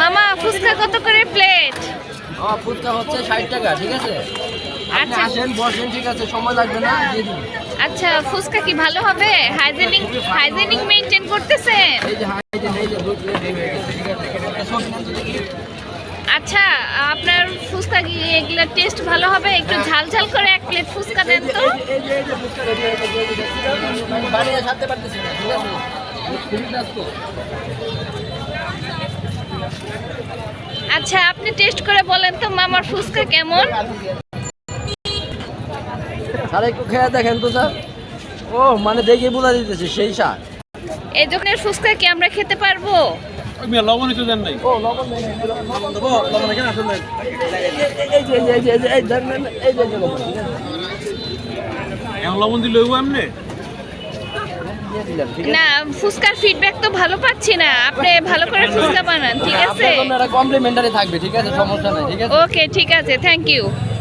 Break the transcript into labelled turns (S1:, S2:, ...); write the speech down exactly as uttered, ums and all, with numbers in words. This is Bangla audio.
S1: মামা ফুচকা কত করে প্লেট?
S2: ও ফুচকা হচ্ছে ষাট টাকা, ঠিক আছে? আপনি
S1: আচ্ছা
S2: আসেন বসেন, ঠিক আছে, সময় লাগবে না, দিয়ে দিন।
S1: আচ্ছা ফুচকা কি ভালো হবে? হাইজেনিক হাইজেনিক মেইনটেইন করতেছেন?
S2: এই যে হাই দেন, এই যে দুই প্লেট হয়ে গেছে, ঠিক আছে? একটা সবজি নেন তো দেখি।
S1: আচ্ছা আপনার ফুচকা কি এগুলা টেস্ট ভালো হবে? একটু ঝাল ঝাল করে এক প্লেট ফুচকা দেন তো।
S2: এই যে এই যে এই যে ফুচকা রেডি হয়ে গেছে, এই যে দেখতে আমি বানিয়ে সাথে পারতেছি না, ঠিক আছে? খুবই ব্যস্ত।
S1: আচ্ছা আপনি টেস্ট করে বলেন তো মামার ফুচকা কেমন?
S2: স্যার একটু খেয়ে দেখেন তো স্যার। ও মানে দেখে বোঝা দিতেছে সেই স্বাদ।
S1: এই দোকানের ফুচকা কি আমরা খেতে পারবো?
S3: লবণ একটু দেন নাই।
S2: ও লবণ দেন, লবণ দেবো, লবণ এখানে আসুন না। এই যে এই যে এই যে এই যে এই দেন দেন, এই যে এই যে লবণ, ঠিক আছে?
S3: এখন লবণ দিলে হইব এমনি?
S2: দিয়ে দিলাম, ঠিক আছে?
S1: না ফুচকার ফিডব্যাক তো ভালো পাচ্ছি না, আপনি ভালো করে ফুচকা বানান, ঠিক আছে?
S2: আপনার জন্য একটা কমপ্লিমেন্টারি থাকবে, ঠিক আছে? সমস্যা নাই, ঠিক আছে?
S1: ওকে ঠিক আছে, থ্যাংক ইউ।